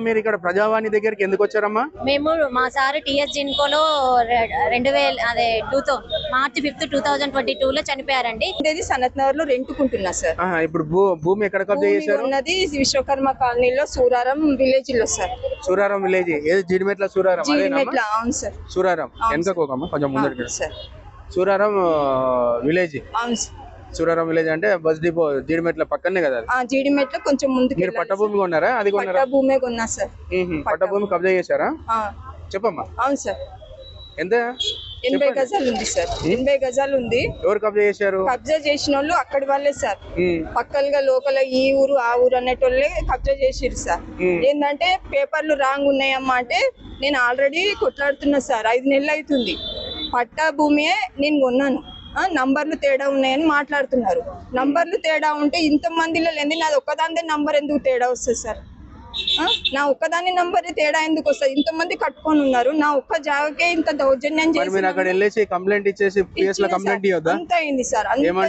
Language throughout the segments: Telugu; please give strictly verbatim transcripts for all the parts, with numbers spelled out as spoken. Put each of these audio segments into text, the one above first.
మీరు ఇక్కడ ప్రజావాణి దగ్గరికి ఎందుకు వచ్చారమ్మా? మేము మా సార్ టిఎస్ జిన్కోలో రెండు వేల అదే టూ థౌ మార్చి fifth two thousand twenty two లో చనిపోయారండి. ఇది సనత్ నగర్ లో రెంట్కుంటున్నా సార్. ఇప్పుడు భూమి ఎక్కడ కబ్జా చేశారు? ఉన్నది విశ్వకర్మ కాలనీలో సూరారం విలేజ్ లో సార్. సూరారం విలేజ్ ఏది? జీడిమెట్ల సూరారం. జీడిమెట్ల అవును సార్. సూరారం వెనకమ్మ కొంచెం ముందర సార్. సూరారం విలేజ్. అవును సార్. సూరారం విలేజ్ అంటే బస్ డిపో జీడిమెట్ల పక్కనే కదా? జీడిమెట్ల కొంచెం ముందుకు. మీరు పట్టభూమి కొన్నారా? అది కొన్నారా? పట్టభూమే కొన్నా సార్. పట్టభూమి కబ్జా చేశారా? చెప్పమ్మా. అవును సార్. ఎంత? ఎనభై గజాలు ఉంది సార్. ఎనభై గజాలు ఉంది. ఎవరు కబ్జా చేశారు? కబ్జా చేసిన వాళ్ళు అక్కడి వాళ్ళే సార్. పక్కలుగా లోకల్ ఈ ఊరు ఆ ఊరు అనేటోళ్ళే కబ్జా చేసిరు సార్. ఏంటంటే పేపర్లు రాంగ్ ఉన్నాయమ్మా అంటే నేను ఆల్రెడీ కొట్లాడుతున్నా సార్. ఐదు నెలలు అవుతుంది. పట్టా భూమియే నేను కొన్నాను. నంబర్లు తేడా ఉన్నాయని మాట్లాడుతున్నారు. నంబర్లు తేడా ఉంటే ఇంత మందిలో లేని నాది ఒక్కదాని నంబర్ ఎందుకు తేడా వస్తుంది సార్? నా ఒక్కదాని నంబర్ తేడా ఎందుకు వస్తుంది? ఇంతమంది కట్టుకొని ఉన్నారు. నా ఒక్క జాగకే ఇంత దౌర్జన్యం చేసి కంప్లైంట్ ఇచ్చేసి అంత అయింది సార్.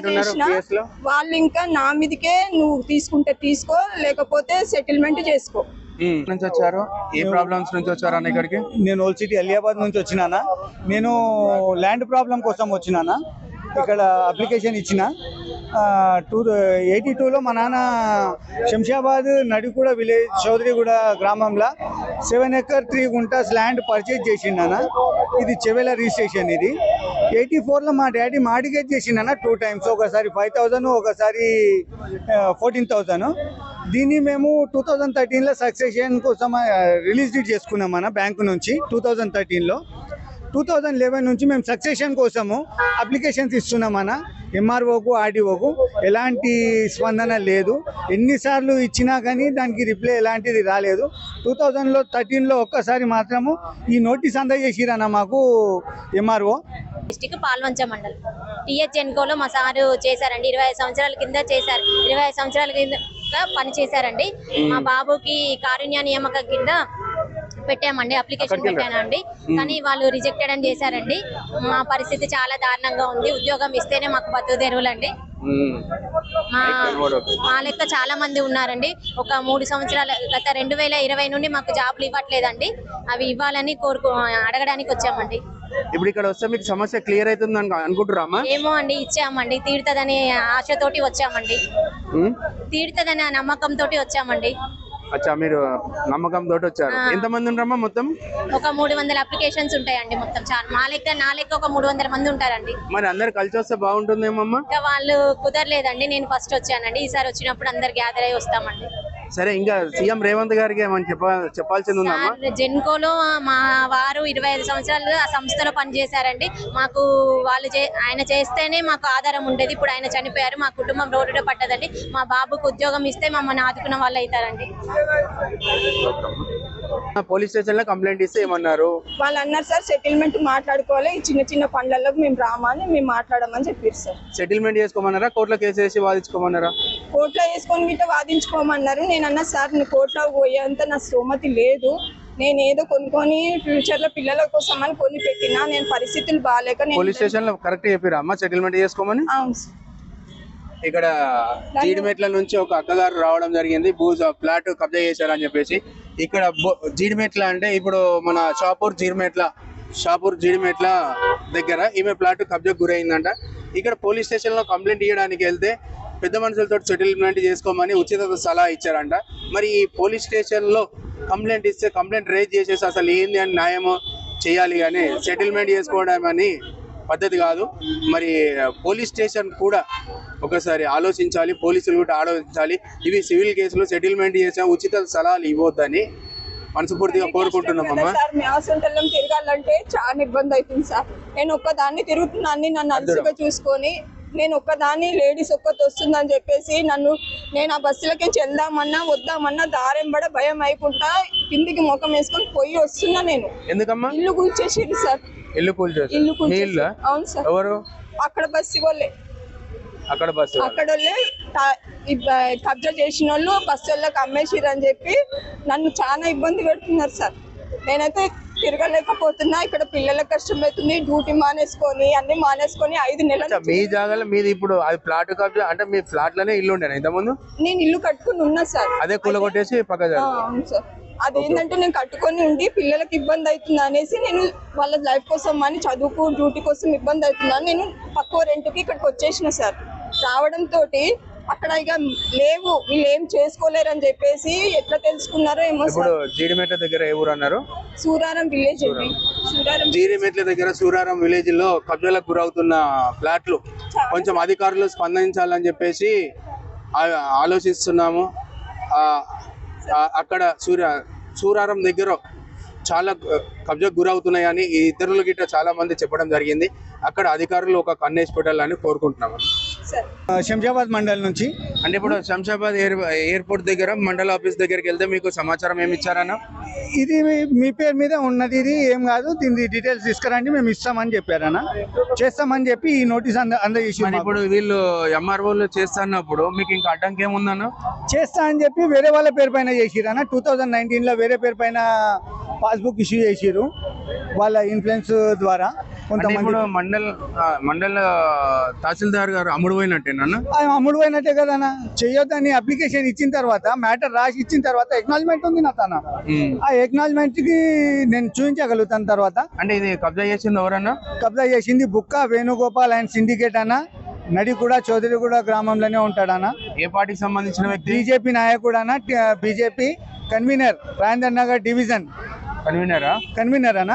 వాళ్ళు ఇంకా నా మీదకే నువ్వు తీసుకుంటే తీసుకో లేకపోతే సెటిల్మెంట్ చేసుకో. నుంచి వచ్చారు? ఏ ప్రాబ్లమ్స్ నుంచి వచ్చారు అన్న ఇక్కడికి? నేను ఓల్డ్ సిటీ అలియాబాద్ నుంచి వచ్చినానా. నేను ల్యాండ్ ప్రాబ్లం కోసం వచ్చినానా. ఇక్కడ అప్లికేషన్ ఇచ్చిన టూ ఎయిటీ టూలో మా నాన్న శంషాబాద్ నడిగూడ విలేజ్ చౌదరిగూడ గ్రామంలో seven acre three guntas land purchase చేసిండనా. ఇది చెవెల రిజిస్ట్రేషన్. ఇది ఎయిటీ ఫోర్లో మా డాడీ మార్టిగేజ్ చేసిండనా టూ టైమ్స్. ఒకసారి ఫైవ్ థౌజండ్ ఒకసారి ఫోర్టీన్ థౌజండ్. దీన్ని మేము టూ థౌజండ్ థర్టీన్లో సక్సెషన్ కోసం రిలీజ్ డీడ్ చేసుకున్నామన్న బ్యాంకు నుంచి. టూ థౌజండ్ థర్టీన్లో టూ థౌజండ్ లెవెన్ నుంచి మేము సక్సెషన్ కోసము అప్లికేషన్స్ ఇస్తున్నామన్న. ఎంఆర్ఓకు ఆర్డీఓకు ఎలాంటి స్పందన లేదు. ఎన్నిసార్లు ఇచ్చినా కానీ దానికి రిప్లై ఎలాంటిది రాలేదు. టూ థౌజండ్లో థర్టీన్లో ఒక్కసారి మాత్రము ఈ నోటీస్ అందజేసిరన్న మాకు ఎంఆర్ఓ. డిస్టిక్ పాల్వంచ మండలం టిఎస్ జెన్కోలో మా సారు చేశారండి. ఇరవై ఐదు సంవత్సరాల కింద చేశారు. ఇరవై ఐదు సంవత్సరాల కింద పని చేశారండి. మా బాబుకి కారుణ్య నియామకం కింద పెట్టామండి. అప్లికేషన్ పెట్టానండి. కానీ వాళ్ళు రిజెక్టెడ్ అని చేశారండి. మా పరిస్థితి చాలా దారుణంగా ఉంది. ఉద్యోగం ఇస్తేనే మాకు బతుకు తెరువులండి. మా మా లెక్క చాలా మంది ఉన్నారండి. ఒక మూడు సంవత్సరాల గత రెండు వేల ఇరవై నుండి మాకు జాబ్లు ఇవ్వట్లేదండి. అవి ఇవ్వాలని కోరుకు అడగడానికి వచ్చామండి. ఇప్పుడు ఇక్కడ వస్తే మీకు సమస్య క్లియర్ అవుతుంది అనుకుంటున్నామా? ఏమో అండి, ఇచ్చామండి. తీరుతుందని ఆశతోటి వచ్చామండి. తీరుతుందని నమ్మకం తోటి వచ్చామండి. అచ్చా, మీరు నమ్మకం తోటి వచ్చారు. ఎంత మంది ఉంటారమ్మా మొత్తం? ఒక మూడు వందల అప్లికేషన్స్ ఉంటాయండి మొత్తం. చాలా మా లెక్క నా లెక్క ఒక మూడు వందల మంది ఉంటారండి. మరి అందరు కలిసి వస్తే బాగుంటుందేమమ్మా? ఇంకా వాళ్ళు కుదరలేదండి. నేను ఫస్ట్ వచ్చానండి. ఈసారి వచ్చినప్పుడు అందరు గ్యాదర్ అయ్యి వస్తామండి. సరే, ఇంకా సీఎం రేవంత్ గారికి ఏమని చెప్ప చెప్పాల్సింది ఉందమ్మా? జెన్కోలో మా వారు ఇరవై ఐదు సంవత్సరాలు ఆ సంస్థలో పనిచేశారండి. మాకు వాళ్ళు ఆయన చేస్తేనే మాకు ఆధారం ఉండేది. ఇప్పుడు ఆయన చనిపోయారు. మా కుటుంబం రోడ్డులో పడ్డదండి. మా బాబుకు ఉద్యోగం ఇస్తే మమ్మల్ని ఆదుకున్న వాళ్ళు అవుతారండి. పోలీస్ స్టేషన్ లో కంప్లైంట్ ఇస్తే ఏమన్నారు? వాళ్ళు అన్నారు సార్ సెటిల్మెంట్ మాట్లాడుకోవాలి. ఈ చిన్న చిన్న పనులలో మేము రామని మేము మాట్లాడమని చెప్పారు సార్. సెటిల్మెంట్ చేసుకోమన్నారా? కోర్టులో కేసు వేసి వాదించుకోమన్నారా? కోర్టులో వేసుకొని గిట్ట వాదించుకోమన్నారు. నేను అన్నా సార్ నీ కోర్టులో పోయేంత నా స్తోమతి లేదు. నేను ఏదో కొనుక్కొని ఫ్యూచర్ లో పిల్లల కోసం అని కొని పెట్టినా. నేను పరిస్థితులు బాగాలేక పోలీస్ స్టేషన్ లో కరెక్ట్ చెప్పారా అమ్మా సెటిల్మెంట్ చేసుకోమని? అవును సార్. ఇక్కడ జీడిమెట్ల నుంచి ఒక అక్కగారు రావడం జరిగింది. భూ ఫ్లాట్ కబ్జా చేశారని చెప్పేసి. ఇక్కడ జీడిమెట్ల అంటే ఇప్పుడు మన షాపూర్ జీడిమెట్ల షాపూర్ జీడిమెట్ల దగ్గర ఈమె ఫ్లాట్ కబ్జా గురైందంట. ఇక్కడ పోలీస్ స్టేషన్ లో కంప్లైంట్ ఇవ్వడానికి వెళ్తే పెద్ద మనుషులతో సెటిల్మెంట్ చేసుకోమని ఉచిత సలహా ఇచ్చారంట. మరి ఈ పోలీస్ స్టేషన్ లో కంప్లైంట్ ఇస్తే కంప్లైంట్ రేజ్ చేసేసి అసలు ఏంది అని న్యాయమో చేయాలి కానీ సెటిల్మెంట్ చేసుకోవడం అని పద్ధతి కాదు. మరి పోలీస్ స్టేషన్ కూడా ఒకసారి ఆలోచించాలి. పోలీసులు కూడా ఆలోచించాలి. ఇవి సివిల్ కేసులు సెటిల్మెంట్ చేసిన ఉచిత సలహాలు ఇవ్వద్దని మనస్ఫూర్తిగా కోరుకుంటున్నామమ్మా. తిరగాలంటే చాలా ఇబ్బంది అవుతుంది సార్. నేను ఒక్కదాన్ని తిరుగుతున్నాను. నన్ను అలసిగా చూసుకొని నేను ఒక్కదాన్ని లేడీస్ ఒక్కటి వస్తుందని చెప్పేసి నన్ను నేను ఆ బస్సులకి వెళ్దామన్నా వద్దామన్నా దారెంబడ భయం అయిపోతా కిందికి ముఖం వేసుకొని పోయి వస్తున్నా. నేను ఎందుకమ్మా? ఇల్లు కూల్చేసింది సార్. ఇల్లు కూల్చేసి ఇల్లు కూల్చేసి అవును సార్. ఎవరు? అక్కడ బస్సు వాళ్ళే. అక్కడ బస్సు అక్కడ వాళ్ళే కబ్జా చేసిన వాళ్ళు బస్సు వాళ్ళకి అమ్మేసిరు అని చెప్పి నన్ను చాలా ఇబ్బంది పెడుతున్నారు సార్. నేనైతే తిరగలేకపోతున్నా. ఇక్కడ పిల్లలకు కష్టమవుతుంది. డ్యూటీ మానేసుకొని అన్ని మానేసుకొని ఐదు నెలలు. మీ జాగాలో మీది ఇప్పుడు అది ఫ్లాట్ కబ్జా అంటే మీ ఫ్లాట్ లోనే ఇల్లు ఉండేనా ఇంతకుముందు? నేను ఇల్లు కట్టుకుని ఉన్నా సార్. అదే కూలగొట్టేసి పక్క. అవును సార్. అదేంటంటే నేను కట్టుకొని ఉండి పిల్లలకి ఇబ్బంది అవుతుంది అనేసి నేను వాళ్ళ లైఫ్ కోసం అని చదువుకు డ్యూటీ కోసం ఇబ్బంది అవుతుందని నేను తక్కువ రెంట్కి ఇక్కడికి వచ్చేసిన సార్. రావడంతో అక్కడ ఇక లేవు, వీళ్ళు ఏం చేసుకోలేరు అని చెప్పేసి ఎట్లా తెలుసుకున్నారో ఏమో ఇప్పుడు సార్. జీడిమెట్ల దగ్గర ఏ ఊరు అన్నారు? సూరారం విలేజ్ అండి. సూరారం జీడిమెట్ల దగ్గర సూరారం విలేజ్ లో కబ్జాలకు గురవుతున్న ఫ్లాట్లు కొంచెం అధికారులు స్పందించాలని చెప్పేసి ఆ- ఆలోచిస్తున్నాము. ఆ, ఆ, అక్కడ సూర్య సూరారం దగ్గర చాలా కబ్జాకు గురవుతున్నాయని ఈ ఇతరులు గిట్ట చాలా మంది చెప్పడం జరిగింది. అక్కడ అధికారులు ఒక కన్నేసి పెట్టాలని కోరుకుంటున్నాము. సార్. ఆ, శంషాబాద్ మండల్ నుంచి. అంటే ఇప్పుడు శంషాబాద్ ఎయిర్ ఎయిర్పోర్ట్ దగ్గర మండల ఆఫీస్ దగ్గరికి వెళ్తే మీకు సమాచారం ఏమి ఇచ్చారన్న? ఇది మీ- మీ పేరు మీద ఉన్నది, ఇది ఏం కాదు, దీని డీటెయిల్స్ తీసుకురండి, మేము ఇస్తామని చెప్పారన్న. చేస్తామని చెప్పి ఈ నోటీస్ అంద అందజేసి మరి ఇప్పుడు వీళ్ళు ఎంఆర్ఓలు చేస్తున్నప్పుడు మీకు ఇంకా అడ్డంకి ఏముందన్న? చేస్తా అని చెప్పి వేరే వాళ్ళ పేరు పైన చేసిరన్న. టూ థౌజండ్ నైన్టీన్ లో వేరే పేరు పైన పాస్బుక్ ఇష్యూ చేసిరు వాళ్ళ ఇన్ఫ్లుయెన్స్ ద్వారా. అంటే కొంతమంది ఇప్పుడు మండల్ ఆ, మండల తహసీల్దార్ గారు అమ్ముడు పోయినట్టేనన్న? ఆయన అమ్ముడు పోయినట్టే కదన్నా. చెయ్యొద్దని అప్లికేషన్ ఇచ్చిన తర్వాత, మ్యాటర్ రాసి ఇచ్చిన తర్వాత ఎక్నాలజ్మెంట్ ఉంది నా తన. ఆ ఎక్నాలజ్మెంట్ కి నేను చూపించగలుగుతాను తర్వాత. అంటే ఇది కబ్జా చేసింది ఎవరన్నా? కబ్జా చేసింది బుక్క వేణుగోపాల్ అండ్ సిండికేట్ అన్న. నడిగూడ చౌదరిగూడ గ్రామంలోనే ఉంటాడన్న. ఏ పార్టీకి సంబంధించిన వ్యక్తి? బీజేపీ నాయకుడు అన్న, BJP convenor, Rajendra Nagar division కన్వీనరా? కన్వీనర్ అన్న.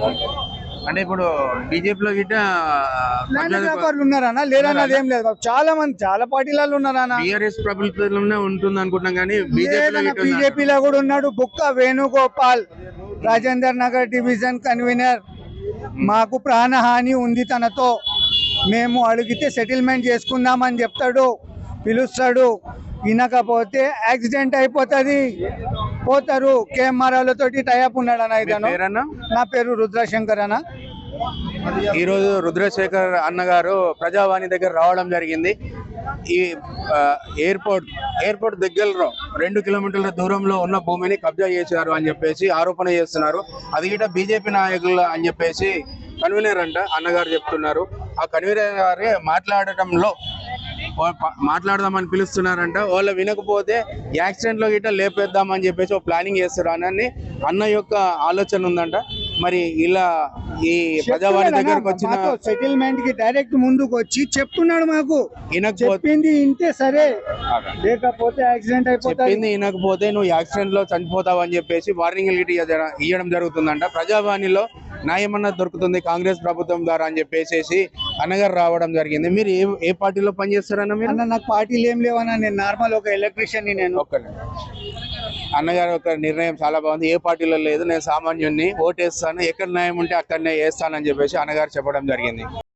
అంటే ఇప్పుడు బీజేపీలో గిట్ట ల్యాండ్ వ్యాపారులు ఉన్నారన్న, లేరన్నది ఏం లేదు. చాలా మంది చాలా పార్టీలలో ఉన్నారన్న. బీఆర్ఎస్ ప్రభుత్వంలోనే ఉంటుంది అనుకుంటున్నాం కానీ బీజేపీలో గిట్ట ఉన్నారు. బీజేపీలో కూడా ఉన్నాడు బుక్క వేణుగోపాల్, రాజేందర్ నగర్ డివిజన్ కన్వీనర్. మాకు ప్రాణహాని ఉంది తనతో, మేము అడిగితే సెటిల్మెంట్ చేసుకుందామని చెప్తాడు, పిలుస్తాడు. వినకపోతే యాక్సిడెంట్ అయిపోతుంది, పోతారు. కెమెరాలతోటి టైప్ ఉన్నాడు అన్న. ఇతను పేరన్నా? నా పేరు రుద్రశంకర్ అన్న. ఈ రోజు రుద్రశేఖర్ అన్నగారు ప్రజావాణి దగ్గర రావడం జరిగింది. ఈ ఆ, ఎయిర్పోర్ట్ ఎయిర్పోర్ట్ దగ్గరలో రెండు కిలోమీటర్ల దూరంలో ఉన్న భూమిని కబ్జా చేశారు అని చెప్పేసి ఆరోపణ చేస్తున్నారు. అది గిట్ట బీజేపీ నాయకులు అని చెప్పేసి కన్వీనర్ అంట అన్నగారు చెప్తున్నారు. ఆ కన్వీనర్ గారే మాట్లాడటంలో మాట్లాడదామని పిలుస్తున్నారంట. వాళ్ళు వినకపోతే యాక్సిడెంట్ లో గిట్ట లేపేద్దామని చెప్పేసి ఒక ప్లానింగ్ చేస్తారు అని అన్న యొక్క ఆలోచన ఉందంట. మరి ఇలా ఈ ప్రజావాణి దగ్గరకు వచ్చిన సెటిల్మెంట్ కి డైరెక్ట్ ముందుకు వచ్చి చెప్తున్నాడు మాకు. వినకపోతే చెప్పింది ఇంతే సరే, లేకపోతే యాక్సిడెంట్ అయిపోతుంది. చెప్పింది వినకపోతే నువ్వు యాక్సిడెంట్ లో చనిపోతావు అని చెప్పేసి వార్నింగ్ గిట్ ఇవ్వడం జరుగుతుందంట. ప్రజావాణిలో న్యాయమన్నా దొరుకుతుంది కాంగ్రెస్ ప్రభుత్వం ద్వారా అని చెప్పేసి అన్నగారు రావడం జరిగింది. మీరు ఏ ఏ పార్టీలో పనిచేస్తారన్న మీరు? అన్న నాకు పార్టీలు ఏం లేవన్నా, నేను నార్మల్ ఒక ఎలక్ట్రీషియన్ ని. నేను ఒక్కనే అన్నగారు ఒక నిర్ణయం చాలా బాగుంది. ఏ పార్టీలో లేదు, నేను సామాన్యుడిని, ఓటేస్తాను, ఎక్కడ న్యాయం ఉంటే అక్కడనే వేస్తానని చెప్పేసి అన్నగారు చెప్పడం జరిగింది.